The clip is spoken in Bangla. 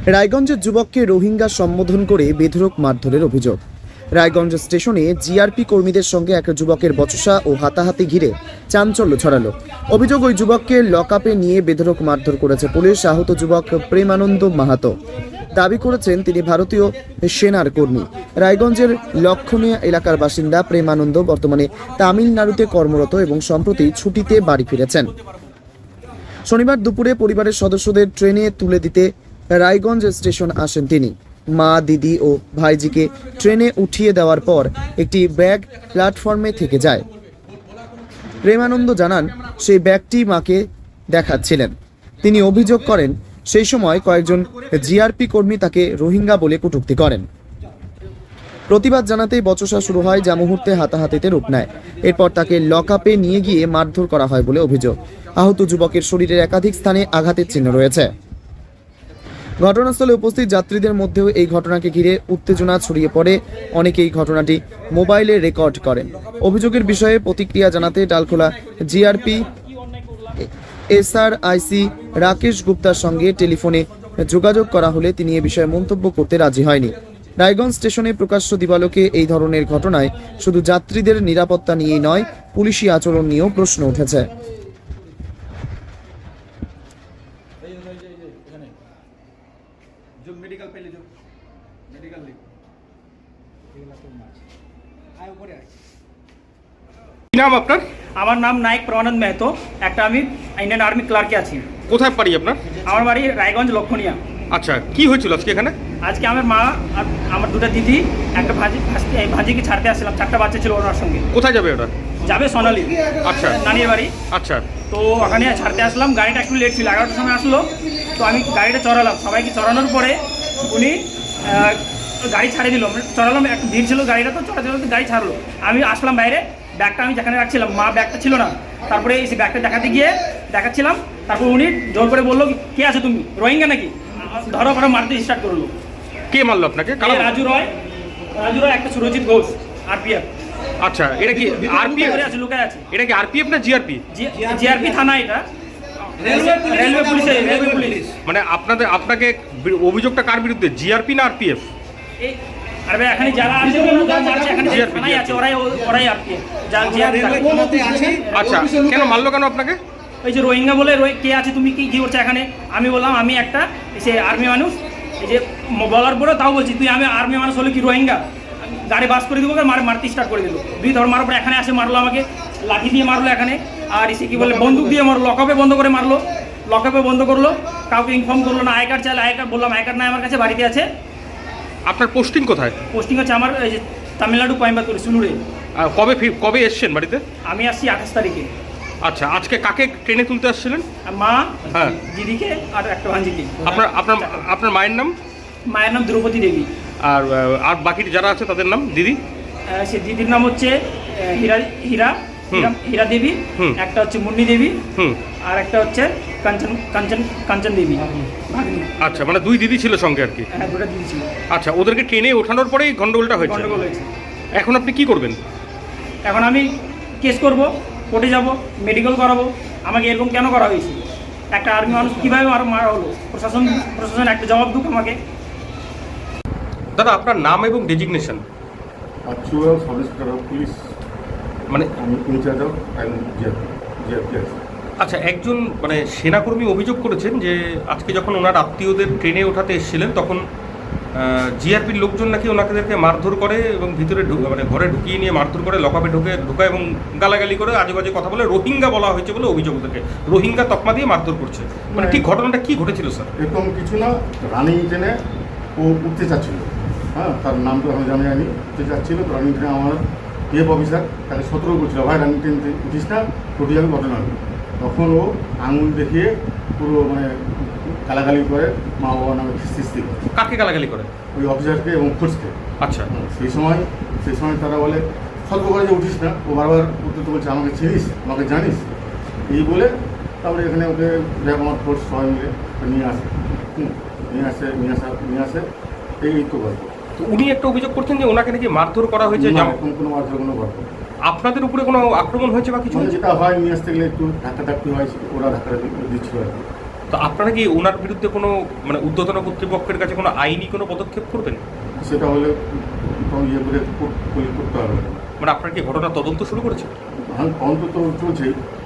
রায়গঞ্জের যুবককে রোহিঙ্গা সম্বোধন করে বেধড়ক মারধরের অভিযোগ। রায়গঞ্জ স্টেশনে জিআরপি কর্মীদের সঙ্গে এক যুবকের বচসা ও হাতাহাতি ঘিরে চাঞ্চল্য ছড়ালো। অভিযোগ, ওই যুবককে লকআপে নিয়ে বেধড়ক মারধর করেছে পুলিশ। আহত যুবক প্রেমানন্দ মাহাতো দাবি করেছেন তিনি ভারতীয় সেনার কর্মী। রায়গঞ্জের লক্ষণীয় এলাকার বাসিন্দা প্রেমানন্দ বর্তমানে তামিলনাড়ুতে কর্মরত এবং সম্প্রতি ছুটিতে বাড়ি ফিরেছেন। শনিবার দুপুরে পরিবারের সদস্যদের ট্রেনে তুলে দিতে রায়গঞ্জ স্টেশন আসেন তিনি। মা, দিদি ও ভাইজিকে ট্রেনে উঠিয়ে দেওয়ার পর একটি ব্যাগ প্ল্যাটফর্মে থেকে যায়। প্রেমানন্দ জানান সেই ব্যাগটি মাকে দেখাচ্ছিলেন। তিনি অভিযোগ করেন সেই সময় কয়েকজন জিআরপি কর্মী তাকে রোহিঙ্গা বলে কটূক্তি করেন। প্রতিবাদ জানাতেই বচসা শুরু হয়, যা মুহূর্তে হাতাহাতিতে রূপ নেয়। এরপর তাকে লকআপে নিয়ে গিয়ে মারধর করা হয় বলে অভিযোগ। আহত যুবকের শরীরের একাধিক স্থানে আঘাতের চিহ্ন রয়েছে। ঘটনাস্থলে উপস্থিত যাত্রীদের মধ্যেও এই ঘটনাকে ঘিরে উত্তেজনা ছড়িয়ে পড়ে। অনেকেই ঘটনাটি মোবাইলে রেকর্ড করেন। অভিযোগের বিষয়ে প্রতিক্রিয়া জানাতে ডালখোলা জিআরপি এসআরআইসি রাকেশ গুপ্তার সঙ্গে টেলিফোনে যোগাযোগ করা হলে তিনি এ বিষয়ে মন্তব্য করতে রাজি হয়নি। রায়গঞ্জ স্টেশনে প্রকাশ্য দিবালোকে এই ধরনের ঘটনায় শুধু যাত্রীদের নিরাপত্তা নিয়েই নয়, পুলিশি আচরণ নিয়েও প্রশ্ন উঠেছে। কি নাম আপনার? আমার নাম নায়ক প্রমানন্দ মেহতো। একটা আমি ইন্ডিয়ান আর্মি ক্লার্কে আছি। কোথায় বাড়ি আপনার? আমার বাড়ি রায়গঞ্জ লক্ষণীয়া। আচ্ছা, কি হয়েছিল আজকে এখানে? আজকে আমার মা আর আমার দুটো দিদি একটা ভাজিকে ছাড়তে আসছিলাম। 4টা বাচ্চা ছিল ওনার সঙ্গে। কোথায় যাবে ওরা? যাবে সোনালি। আচ্ছা, নানির বাড়ি। আচ্ছা, তো ওখানে ছাড়তে আসলাম। গাড়িটা একটু লেট ছিল, 11টার সময় আসলো। তো আমি গাড়িটা চড়ালাম। সবাইকে চড়ানোর পরে উনি গাড়ি ছাড়িয়ে দিল। চড়ালাম, একটু ভিড় ছিল, গাড়িটা তো চড়াতে গাড়ি ছাড়লো। আমি আসলাম বাইরে, ব্যাগটা আমি যেখানে রাখছিলাম, মা ব্যাগটা ছিল না। তারপরে এই ব্যাগটা দেখাচ্ছিলাম। তারপর উনি জোর করে বললো, কে আছো তুমি, রোহিঙ্গা নাকি? ধরো ধরো মারতে স্টার্ট করলো। কে মারলো আপনাকে? রাজু রয়, একটা সুরজিৎ ঘোষ, আরপিএফ। আচ্ছা, এটা কি আরপিএফ? আছে, লুকায় আছে। এটা কি আরপিএফ না জিআরপি? জিআরপি থানা, এটা রেলওয়ে পুলিশ। মানে আপনাকে অভিযোগটা কার বিরুদ্ধে, জিআরপি না আরপিএফ? আরে এখানে যারা আছে এখানে থানায় আছে, ওরাই আরপিএফ। আচ্ছা, কেন মারলো কেন আপনাকে? ওই যে রোহিঙ্গা বলে, কে আছে তুমি, কি করছো এখানে? আমি বললাম আমি একটা সে আর্মি মানুষ। এই যে বলার পরে তাও বলছি, তুই আমি আর্মি মানুষ হলে কি রোহিঙ্গা? গাড়ি বাস করে দেবো, মারতে স্টার্ট করে দিল। 2 ধর মারার পরে এখানে আসে মারলো আমাকে, লাঠি দিয়ে মারলো এখানে। আর এসে কি বলে বন্দুক দিয়ে মারলো, লকআপে বন্ধ করে মারলো। লকআপে বন্ধ করলো, কাউকে ইনফর্ম করলো না। আই কার্ড চাইলে, আই কার্ড বললাম আই কার্ড নাই আমার কাছে, বাড়িতে আছে। আপনার পোস্টিং কোথায়? পোস্টিং হচ্ছে আমার এই যে তামিলনাড়ু, কোয়েম্বাতুর, সুলুরে। কবে এসছেন বাড়িতে? আমি আসছি 28 তারিখে। আচ্ছা, আজকে কাকে ট্রেনে তুলতে আসছিলেন? মা, হ্যাঁ, দিদিকে আর একটা ভাঞ্জিকে। আপনার মায়ের নাম? মায়ের নাম দ্রৌপদী দেবী। আর বাকি যারা আছে তাদের নাম? দিদি? সে দিদির নাম হচ্ছে হীরা দেবী, একটা হচ্ছে মুন্নি দেবী, আর একটা হচ্ছে কাঞ্চন দেবী। আচ্ছা, মানে 2 দিদি ছিল সঙ্গে আর কি? হ্যাঁ, 2টা দিদি ছিল। আচ্ছা, ওদেরকে ট্রেনে ওঠানোর পরেই গন্ডগোলটা হয়েছে? এখন আপনি কি করবেন? এখন আমি কেস করব, কোর্টে যাব, মেডিকেল করাবো। আমাকে এরকম কেন করা হয়েছে? একটা আর্মি মানুষ কীভাবে মারা হলো? প্রশাসন একটা জবাব দুক আমাকে। দাদা, আপনার নাম এবং designation? Actual sub inspector of police, মানে আমি ইনচার্জ অফ জিআরপি। আচ্ছা, একজন মানে সেনাকর্মী অভিযোগ করেছেন যে আজকে যখন ওনার আত্মীয়দের ট্রেনে ওঠাতে এসেছিলেন তখন জিআরপির লোকজন নাকি ওনাদেরকে মারধর করে এবং ভিতরে মানে ঘরে ঢুকিয়ে নিয়ে মারধর করে, লকআপে ঢোকায় এবং গালাগালি করে, আজেবাজে কথা বলে, রোহিঙ্গা বলা হয়েছে বলে অভিযোগ। ওদেরকে রোহিঙ্গা তকমা দিয়ে মারধর করছে। মানে ঠিক ঘটনাটা কি ঘটেছিল স্যার? এরকম কিছু না, রানিং ট্রেনে ও উঠতে চাচ্ছিল। হ্যাঁ, তার নাম তো আমি জানি উঠতে চাচ্ছিল। তো রানিং ট্রেনে আমার অফিসার তাকে সতর্ক করছিল, ভাই রানিং ট্রেন উঠিস না, টোটি যাবে ঘটনা হবে। তখন ও আঙুল দেখিয়ে পুরো মানে গালাগালি করে, মা বাবার নামে সৃষ্টি করে। কাকে গালাগালি করে? ওই অফিসারকে এবং ফোর্সকে। আচ্ছা, সেই সময় তারা বলে, সতর্ক করে যে উঠিস না। ও বারবার উত্তর বলছে, আমাকে চিনিস, আমাকে জানিস, এই বলে তারপরে এখানে ওকে আমার ফোর্স সবাই মিলে নিয়ে আসে। এই তো গল্প। তো উনি একটা অভিযোগ করছেন যে ওনাকে নাকি মারধর করা হয়েছে। কোনো মারধর, কোনো গল্প। আপনাদের উপরে কোনো আক্রমণ হয়েছে বা কিছু? যেটা হয়, নিয়ে আসতে গেলে একটু ধাক্কা হয়, ওরা ধাক্কা দিচ্ছিল আর কি। তো আপনারা কি ওনার বিরুদ্ধে কোনো মানে ঊর্ধ্বতন কর্তৃপক্ষের কাছে কোনো আইনি কোনো পদক্ষেপ করবেন? সেটা হলে তখন ইয়ে করে করতে হবে। মানে আপনারা কি ঘটনা তদন্ত শুরু করেছেন? হ্যাঁ, তদন্ত তো চলছেই।